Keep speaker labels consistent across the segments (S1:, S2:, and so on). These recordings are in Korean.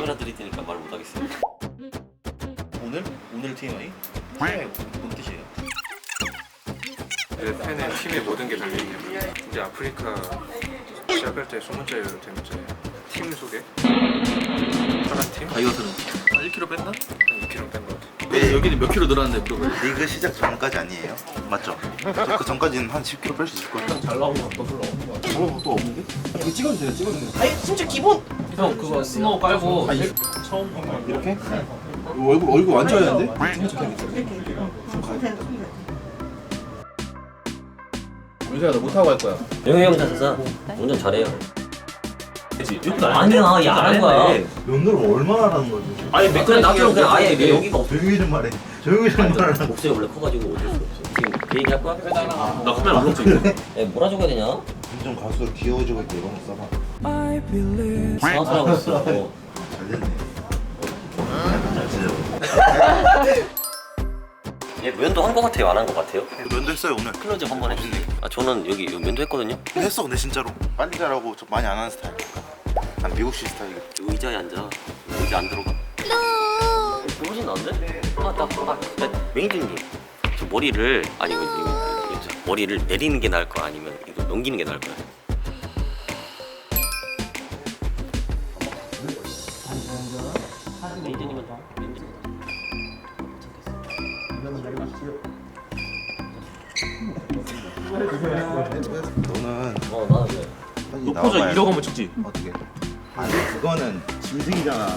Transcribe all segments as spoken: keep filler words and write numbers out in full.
S1: 카메라 들이 테니까 말 못하겠어요.
S2: 오늘? 오늘 티엠아이? 티엠아이 뭔 뜻이에요?
S3: 내 팬의 팀의 모든 게 달려있네요. 이제 아프리카 시작할 때 소문자예요 되는지 팀 소개? 파란 팀?
S2: 다이어트는 한 일 킬로그램 뺐나?
S3: 한 이 킬로그램 뺀 것 같아.
S2: 네, 여기는 몇 킬로 늘었는데 물어봐요.
S4: 리그 시작 전까지 아니에요? 맞죠? 그 전까지는 한 십 킬로그램 뺄 수 있을 거예요.
S2: 잘 나오는 거 별로 없는 거 같아. 어, 또 없는데? 이거 찍어도 돼요, 찍어도 돼요.
S5: 아니 진짜 기본.
S6: 형 그거 스노우 깔고
S2: 처음 이렇게? 얼굴 얼굴 완전 하얀데? 윤서야 너 못하고 할 거야.
S1: 영희 형 자세사 운전 잘해요.
S6: 그치?
S1: 아니야, 얘 안 한 거야.
S4: 연도를 얼마나 하는 거지?
S6: 아니
S1: 그래 나처럼 그냥 아예 왜 여기가 없어.
S4: 조용히 좀 말해. 조용히 좀 말하라고.
S1: 목소리 원래 커가지고 어쩔 수 없어. 지금 그 얘기 할 거야?
S6: 나 카메라 안 먹지 이거.
S1: 야, 뭐라 적어야 되냐?
S4: 점점 갈수록 귀여워지고 있고 이런 거 써봐.
S1: 사업하고 있어. 어.
S4: 잘 됐네. 잘 지내고.
S1: 얘 면도 한 거 같아요? 안 한 거 같아요?
S4: 면도 했어요 오늘.
S1: 클로즈업 한 번 해주세요. 아 저는 여기 면도 했거든요?
S4: 했어 근데 진짜로. 빨리 잘하고 좀 많이 안 하는 스타일이니까. 난 미국식 스타일이야.
S1: 의자에 앉아. 의자 안 들어가. 훨씬 나은데? 아, 나, 아, 나, 매니저님. 저 머리를, 아니, 이거, 이거, 이거, 저 머리를 내리는 게 나을 거 아니면 이거 넘기는 게 나을 거야? 매니저님은 매니저.
S4: 너는
S1: 어, 나는 왜?
S4: 빨리
S6: 높아져
S4: 나와봐야
S6: 이러고 하면 찍지.
S4: 어떻게? 아니 그거는 짐승이잖아.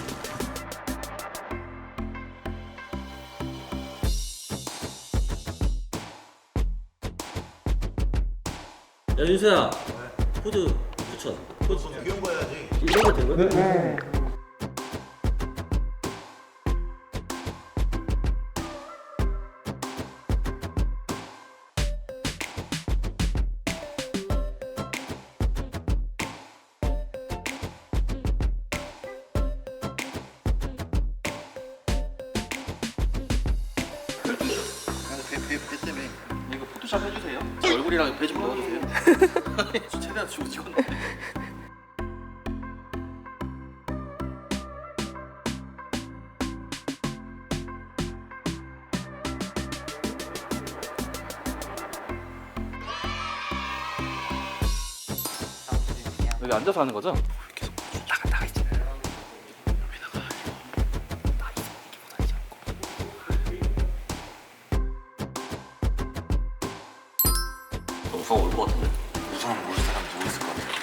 S1: 야, 윤수야. 포즈 추천. 포즈.
S4: 귀여운 거 해야지.
S1: 이런 거 된 거야?
S4: 배, 배, 배 때문에.
S2: 이거 포토샵 해주세요. 제 얼굴이랑 배 좀 넣어주세요. 저 최대한 주고 찍었는데. 여기 앉아서 하는 거죠?
S1: 영상 올것 같은데?
S4: 우선 모를 사람 누구 있을 것 같아?